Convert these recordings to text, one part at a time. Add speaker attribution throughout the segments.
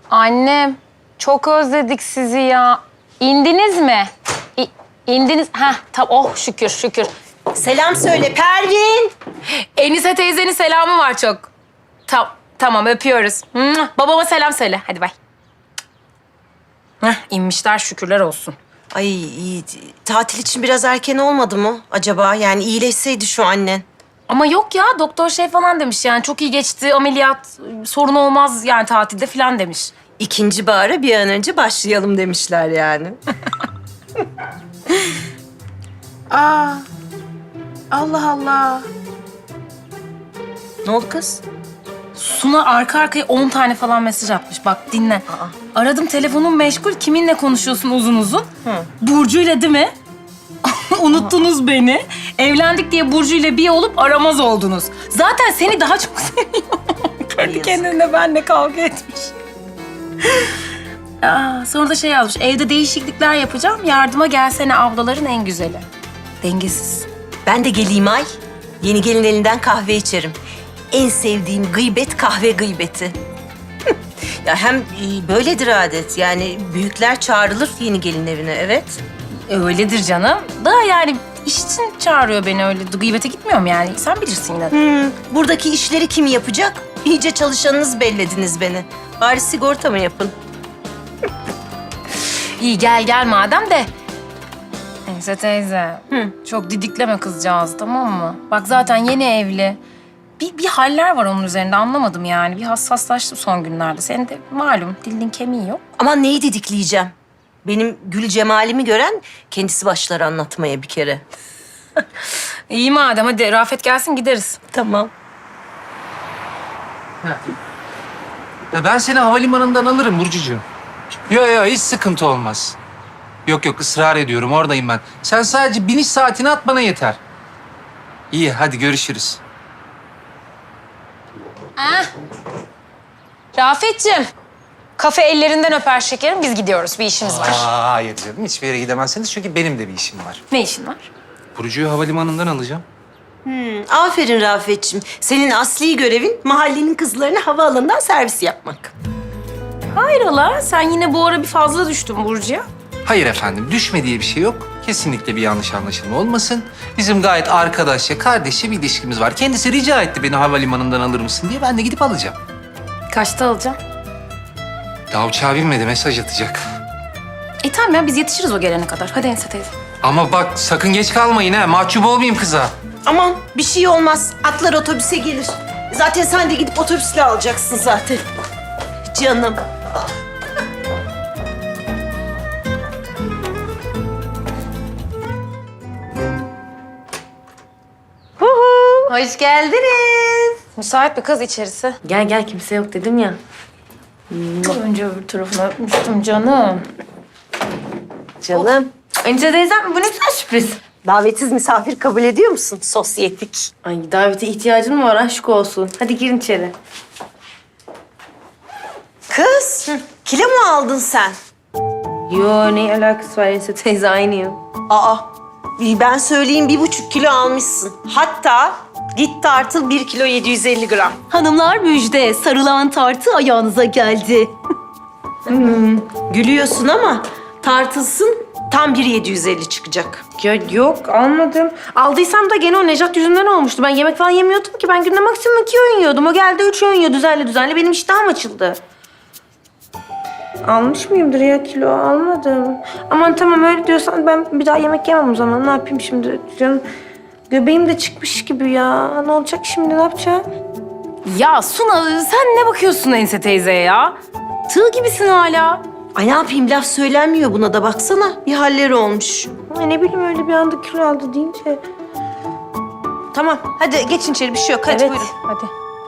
Speaker 1: Annem, çok özledik sizi ya. İndiniz mi? İndiniz. Oh şükür şükür.
Speaker 2: Selam söyle Pervin.
Speaker 1: Enise teyzenin selamı var çok. Tamam öpüyoruz. Babama selam söyle. Hadi bay. İnmişler şükürler olsun.
Speaker 2: Ay iyi. Tatil için biraz erken olmadı mı acaba? Yani iyileşseydi şu annen.
Speaker 1: Ama yok ya doktor şey falan demiş yani çok iyi geçti ameliyat sorun olmaz yani tatilde falan demiş.
Speaker 2: İkinci bahara bir an önce başlayalım demişler yani.
Speaker 1: Allah Allah.
Speaker 2: Ne oldu kız?
Speaker 1: Suna arka arkaya 10 tane falan mesaj atmış. Bak dinle. Aradım telefonum meşgul. Kiminle konuşuyorsun uzun uzun? Burcu'yla değil mi? Unuttunuz beni. Evlendik diye Burcu'yla bir olup aramaz oldunuz. Zaten seni daha çok seviyorum. Kendi kendine benimle kavga etmiş. Sonra da şey yazmış. Evde değişiklikler yapacağım. Yardıma gelsene ablaların en güzeli. Dengesiz.
Speaker 2: Ben de geleyim ay. Yeni gelin elinden kahve içerim. En sevdiğim gıybet kahve gıybeti. Ya hem böyledir adet. Yani büyükler çağrılır yeni gelin evine, evet.
Speaker 1: Öyledir canım. Da yani iş için çağırıyor beni öyle. Gıybete gitmiyorum yani. Sen bilirsin yine de.
Speaker 2: Buradaki işleri kim yapacak? İyice çalışanınız bellediniz beni. Bari sigorta mı yapın?
Speaker 1: İyi gel madem de. Enise teyze. Çok didikleme kızcağız tamam mı? Bak zaten yeni evli. Bir haller var onun üzerinde anlamadım yani. Bir hassaslaştı son günlerde. Senin de malum dilin kemiği yok.
Speaker 2: Aman neyi didikleyeceğim? Benim gül cemalimi gören kendisi başlar anlatmaya bir kere.
Speaker 1: İyi madem hadi Rafet gelsin gideriz.
Speaker 2: Tamam.
Speaker 3: Ya ben seni havalimanından alırım Burcucuğum. Yok hiç sıkıntı olmaz. Yok ısrar ediyorum oradayım ben. Sen sadece biniş saatini at bana yeter. İyi hadi görüşürüz.
Speaker 1: Rafetciğim. Kafe ellerinden öper şekerim. Biz gidiyoruz. Bir işimiz var.
Speaker 3: Hayır canım hiçbir yere gidemezsiniz çünkü benim de bir işim var.
Speaker 1: Ne işin var?
Speaker 3: Burcu'yu havalimanından alacağım.
Speaker 2: Aferin Rafetciğim. Senin asli görevin mahallenin kızlarını havaalanından servis yapmak.
Speaker 1: Hayrola? Sen yine bu ara bir fazla düştün Burcu'ya.
Speaker 3: Hayır efendim düşme diye bir şey yok. Kesinlikle bir yanlış anlaşılma olmasın. Bizim gayet arkadaşça, kardeşçe bir ilişkimiz var. Kendisi rica etti beni havalimanından alır mısın diye. Ben de gidip alacağım.
Speaker 1: Kaçta alacağım?
Speaker 3: Daha uçağa binmedi, mesaj atacak.
Speaker 1: Tamam ya biz yetişiriz o gelene kadar. Hadi Enise teyze.
Speaker 3: Ama bak sakın geç kalmayın ha. Mahcup olmayayım kıza.
Speaker 2: Aman bir şey olmaz. Atlar otobüse gelir. Zaten sen de gidip otobüsle alacaksın zaten. Canım.
Speaker 4: Hoş geldiniz.
Speaker 1: Müsait bir kız içerisi.
Speaker 4: Gel kimse yok dedim ya.
Speaker 1: Önce öbür tarafına öpmüştüm canım.
Speaker 2: Canım.
Speaker 4: Enise teyzem bu ne güzel sürpriz.
Speaker 2: Davetsiz misafir kabul ediyor musun? Sosyetik.
Speaker 4: Ay davete ihtiyacın mı var aşk olsun. Hadi girin içeri.
Speaker 2: Kız, kilo mu aldın sen?
Speaker 4: Yo ne alakası var Enise teyze aynıyım.
Speaker 2: Aa, ben söyleyeyim 1,5 kilo almışsın. Hatta git tartıl 1 kilo 750 gram.
Speaker 5: Hanımlar müjde, sarılan tartı ayağınıza geldi.
Speaker 2: Gülüyorsun ama tartılsın tam 1,750 çıkacak.
Speaker 4: Ya yok almadım. Aldıysam da gene o Nejat yüzünden olmuştu. Ben yemek falan yemiyordum ki. Ben günde maksimum 2 öğün yiyordum. O geldi 3 öğün yiyor düzenli. Benim iştahım açıldı. Almış mıyımdır ya kilo? Almadım. Aman tamam öyle diyorsan ben bir daha yemek yemem o zaman. Ne yapayım şimdi canım? Göbeğim de çıkmış gibi ya. Ne olacak şimdi? Ne yapacağım?
Speaker 1: Ya Suna sen ne bakıyorsun Enise teyzeye ya? Tığ gibisin hala.
Speaker 2: Ay ne yapayım laf söylenmiyor buna da baksana. Bir halleri olmuş.
Speaker 4: Ay ne bileyim öyle bir anda kilo aldı deyince.
Speaker 2: Tamam hadi geçin içeri bir şey yok. Hadi
Speaker 1: Evet,
Speaker 2: buyurun.
Speaker 1: hadi.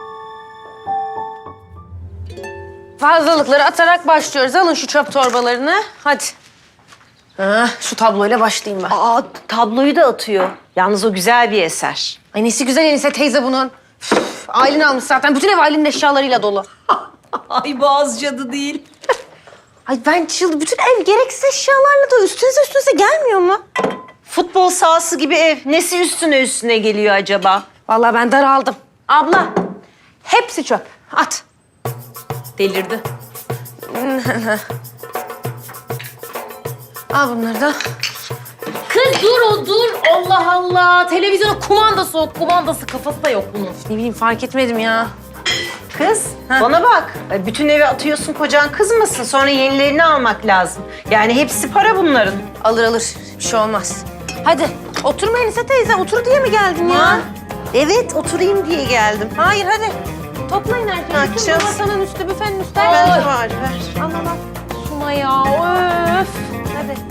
Speaker 4: Fazlalıkları atarak başlıyoruz. Alın şu çöp torbalarını. Hadi. Şu tabloyla başlayayım ben.
Speaker 2: Aa tabloyu da atıyor. Yalnız o güzel bir eser.
Speaker 4: Ay nesi güzel Enise teyze bunun. Aylin almış zaten. Bütün ev Aylin'in eşyalarıyla dolu.
Speaker 2: Ay boğaz cadı değil.
Speaker 4: Ay ben bütün ev gereksiz eşyalarla da üstünüze gelmiyor mu?
Speaker 2: Futbol sahası gibi ev. Nesi üstüne geliyor acaba?
Speaker 4: Vallahi ben daraldım. Abla, hepsi çöp. At.
Speaker 2: Delirdi.
Speaker 4: Al bunları da.
Speaker 1: Kız dur. Allah Allah. Televizyona kumandası yok. Kumandası kafası da yok bunun.
Speaker 4: Ne bileyim fark etmedim ya.
Speaker 2: Kız, bana bak. Bütün evi atıyorsun, kocan kızmasın. Sonra yenilerini almak lazım. Yani hepsi para bunların.
Speaker 4: Alır. Bir şey olmaz. Hadi oturma Enise teyze. Otur diye mi geldin ya?
Speaker 2: Evet, oturayım diye geldim.
Speaker 4: Hayır hadi. Toplayın herkes.
Speaker 2: Açacağız.
Speaker 4: Masanın üstü, büfenin üstü.
Speaker 2: Ben
Speaker 4: Ver.
Speaker 2: de var, ver.
Speaker 4: Al.
Speaker 1: Suna ya öf.
Speaker 4: Hadi.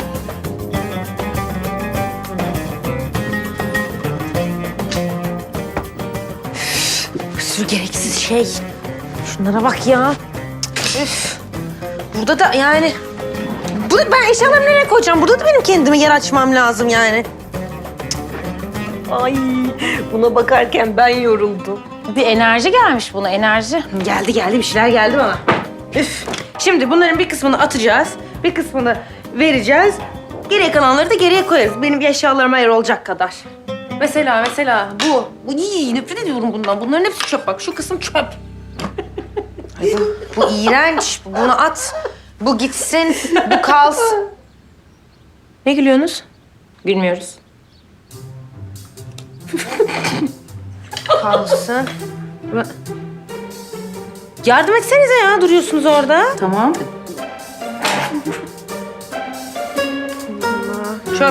Speaker 4: Bir sürü gereksiz şey. Şunlara bak ya. Üf. Burada da yani... Burada ben eşyalarımı nereye koyacağım? Burada da benim kendime yer açmam lazım yani.
Speaker 2: Ay, buna bakarken ben yoruldum.
Speaker 1: Bir enerji gelmiş buna enerji.
Speaker 4: Geldi bir şeyler geldi bana. Üf. Şimdi bunların bir kısmını atacağız. Bir kısmını vereceğiz. Geriye kalanları da geriye koyarız. Benim eşyalarıma yer olacak kadar. Mesela bu. Nefret ediyorum bundan. Bunların hepsi çöp bak. Şu kısım çöp. Ay, bu iğrenç. Bunu at. Bu gitsin. Bu kalsın. Ne gülüyorsunuz?
Speaker 1: Gülmüyoruz.
Speaker 4: Kalsın. Yardım etsenize ya. Duruyorsunuz orada.
Speaker 1: Tamam.
Speaker 4: Çöp.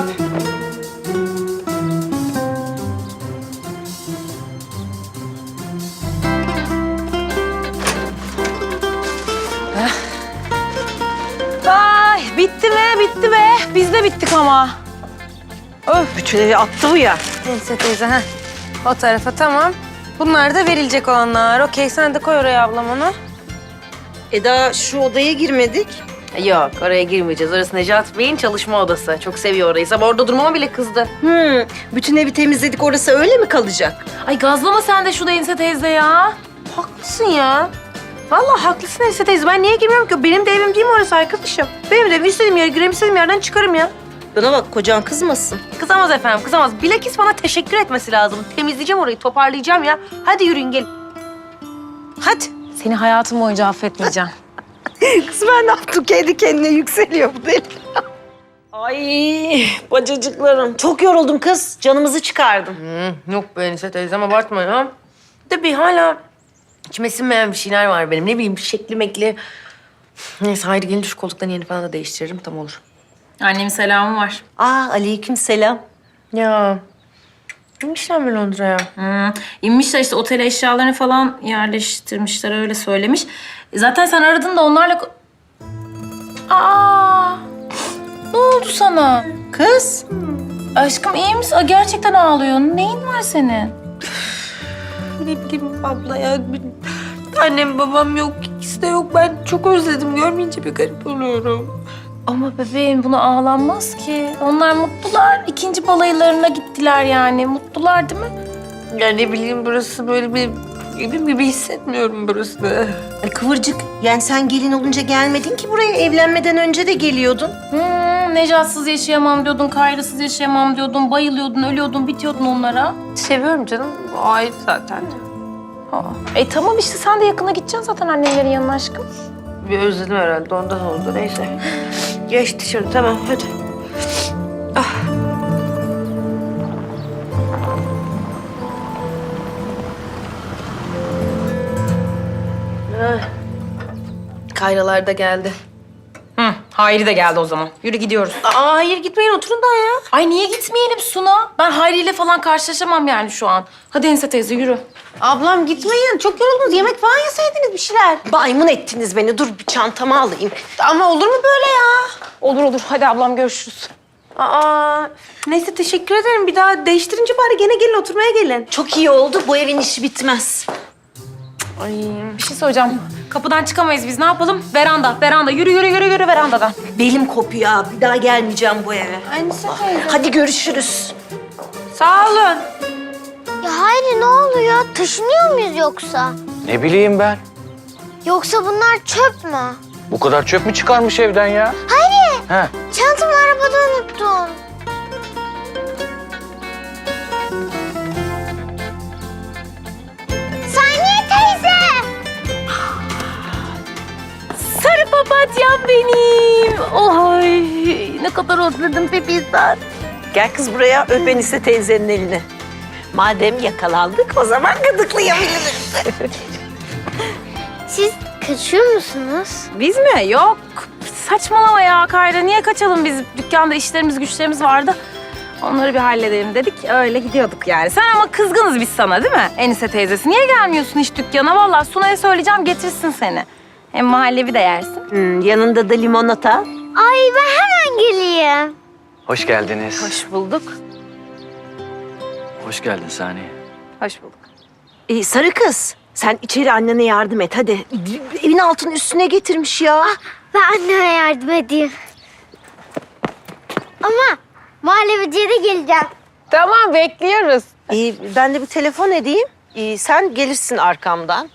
Speaker 1: Ay bitti be. Biz de bittik ama.
Speaker 2: Bütün evi attı bu ya.
Speaker 4: Neyse teyze ha. O tarafa tamam. Bunlar da verilecek olanlar. Okey sen de koy oraya ablam onu.
Speaker 2: Daha şu odaya girmedik.
Speaker 4: Yok oraya girmeyeceğiz. Orası Necat Bey'in çalışma odası. Çok seviyor orayı. Sabah orada durmama bile kızdı.
Speaker 2: Bütün evi temizledik, orası öyle mi kalacak?
Speaker 1: Ay gazlama sen de şu Enise teyze ya.
Speaker 4: Haklısın ya. Vallahi haklısın Enise teyze. Ben niye girmiyorum ki? Benim de evim değil mi orası arkadaşım? Benim de evim. İstediğim yere gireyim, istediğim yerden çıkarım ya.
Speaker 2: Bana bak, kocan kızmasın.
Speaker 4: Kızamaz efendim, kızamaz. Bilakis bana teşekkür etmesi lazım. Temizleyeceğim orayı, toparlayacağım ya. Hadi yürüyün gelin. Hadi.
Speaker 1: Seni hayatım boyunca affetmeyeceğim.
Speaker 2: Kız ben ne yaptım? Kendi kendine yükseliyor bu deli. Ay bacacıklarım. Çok yoruldum kız. Canımızı çıkardım.
Speaker 4: Yok be Enise teyzem abartma ya. De bir hala içime sinmeyen bir şeyler var benim. Ne bileyim şekli mekli. Neyse Hayri gelince şu koltukların yerini falan da değiştiririm. Tam olur.
Speaker 1: Annemin selamı var.
Speaker 2: Aleyküm selam.
Speaker 4: Ya. Gitmişler mi Londra'ya?
Speaker 1: İnmişler işte otele eşyalarını falan yerleştirmişler öyle söylemiş. Zaten sen aradın da onlarla... Aa! Ne oldu sana?
Speaker 2: Kız.
Speaker 1: Aşkım iyi misin? Aa, gerçekten ağlıyorsun. Neyin var senin?
Speaker 4: Ne bileyim abla ya. Annem babam yok. İkisi de yok. Ben çok özledim. Görmeyince bir garip oluyorum.
Speaker 1: Ama bebeğim buna ağlanmaz ki. Onlar mutlular. İkinci balaylarına gittiler yani. Mutlular değil mi?
Speaker 4: Ya ne bileyim burası böyle bir evim gibi hissetmiyorum burası.
Speaker 2: Kıvırcık. Yani sen gelin olunca gelmedin ki buraya. Evlenmeden önce de geliyordun.
Speaker 1: Necatsız yaşayamam diyordun, Kayra'sız yaşayamam diyordun, bayılıyordun, ölüyordun, bitiyordun onlara.
Speaker 4: Seviyorum canım. O ayrı zaten.
Speaker 1: Tamam işte sen de yakına gideceksin zaten annelerin yanına aşkım.
Speaker 4: Bir özledim herhalde. Ondan oldu. Neyse. Geç dışarı. Tamam hadi. Kayralar da geldi.
Speaker 1: Hayri de geldi o zaman. Yürü gidiyoruz.
Speaker 4: Hayır gitmeyin oturun daha ya.
Speaker 1: Ay niye gitmeyelim Suna? Ben Hayri ile falan karşılaşamam yani şu an. Hadi Enise teyze yürü.
Speaker 4: Ablam gitmeyin. Çok yoruldunuz. Yemek falan yeseydiniz bir şeyler.
Speaker 2: Baymun ettiniz beni. Dur bir çantamı alayım.
Speaker 4: Ama olur mu böyle ya?
Speaker 1: Olur. Hadi ablam görüşürüz.
Speaker 4: Neyse teşekkür ederim. Bir daha değiştirince bari gene gelin oturmaya gelin.
Speaker 2: Çok iyi oldu. Bu evin işi bitmez.
Speaker 1: Bir şey söyleyeceğim. Kapıdan çıkamayız biz. Ne yapalım? Veranda. Yürü verandadan.
Speaker 2: Belim kopuyor abi. Bir daha gelmeyeceğim bu eve.
Speaker 4: Aynısı teyze.
Speaker 2: Hadi görüşürüz.
Speaker 4: Sağ olun.
Speaker 6: Ya Hayri ne oluyor? Taşınıyor muyuz yoksa?
Speaker 7: Ne bileyim ben.
Speaker 6: Yoksa bunlar çöp mü?
Speaker 7: Bu kadar çöp mü çıkarmış evden ya?
Speaker 6: Hayri!
Speaker 7: He.
Speaker 6: Çantamı arabada unuttum. Saniye teyze!
Speaker 1: Sarı Papatyam benim. Oy ne kadar özledim Pepiz'den.
Speaker 2: Gel kız buraya öp Enise teyzenin elini. Madem yakalandık o zaman gıdıklayabiliriz.
Speaker 6: Siz kaçıyor musunuz?
Speaker 1: Biz mi? Yok. Saçmalama ya Kayra. Niye kaçalım biz? Dükkanda işlerimiz güçlerimiz vardı. Onları bir halledelim dedik. Öyle gidiyorduk yani. Sen ama kızgınız biz sana değil mi? Enise teyzesi. Niye gelmiyorsun hiç dükkana? Vallahi Sunay'a söyleyeceğim getirsin seni. Hem mahallevi de yersin.
Speaker 2: Yanında da limonata.
Speaker 6: Ay ben hemen geleyim.
Speaker 7: Hoş geldiniz.
Speaker 1: Hoş bulduk.
Speaker 7: Hoş geldin Saniye.
Speaker 1: Hoş bulduk.
Speaker 2: Sarı kız sen içeri annene yardım et hadi. Evin altını üstüne getirmiş ya.
Speaker 6: Ben anneme yardım edeyim. Ama muhallebiciye de geleceğim.
Speaker 4: Tamam bekliyoruz.
Speaker 2: Ben de bir telefon edeyim. Sen gelirsin arkamdan.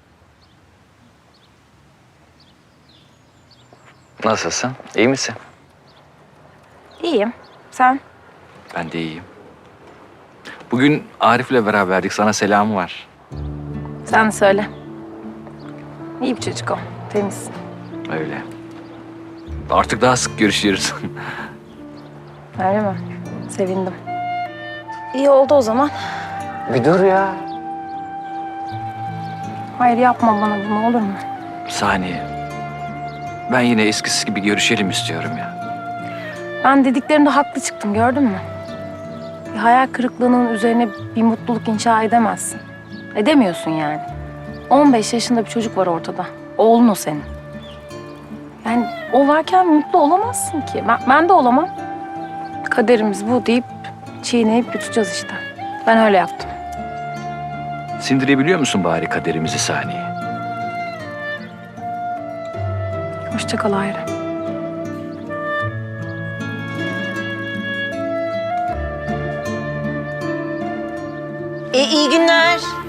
Speaker 7: Nasılsın? İyi misin?
Speaker 1: İyiyim. Sen?
Speaker 7: Ben de iyiyim. Bugün Arif'le beraberdik. Sana selamı var.
Speaker 1: Sen de söyle. İyi bir çocuk o. Temiz.
Speaker 7: Öyle. Artık daha sık görüşürüz.
Speaker 1: Öyle mi? Sevindim. İyi oldu o zaman.
Speaker 7: Bir dur ya.
Speaker 1: Hayır yapma bana bunu olur mu?
Speaker 7: Saniye. Ben yine eskisi gibi görüşelim istiyorum ya.
Speaker 1: Ben dediklerimde haklı çıktım gördün mü? Bir hayal kırıklığının üzerine bir mutluluk inşa edemezsin. Edemiyorsun yani. 15 yaşında bir çocuk var ortada. Oğlun o senin. Yani o varken mutlu olamazsın ki. Ben de olamam. Kaderimiz bu deyip çiğneyip yutacağız işte. Ben öyle yaptım.
Speaker 7: Sindirebiliyor musun bari kaderimizi Saniye?
Speaker 1: Hoşça kal Hayri.
Speaker 2: İyi günler.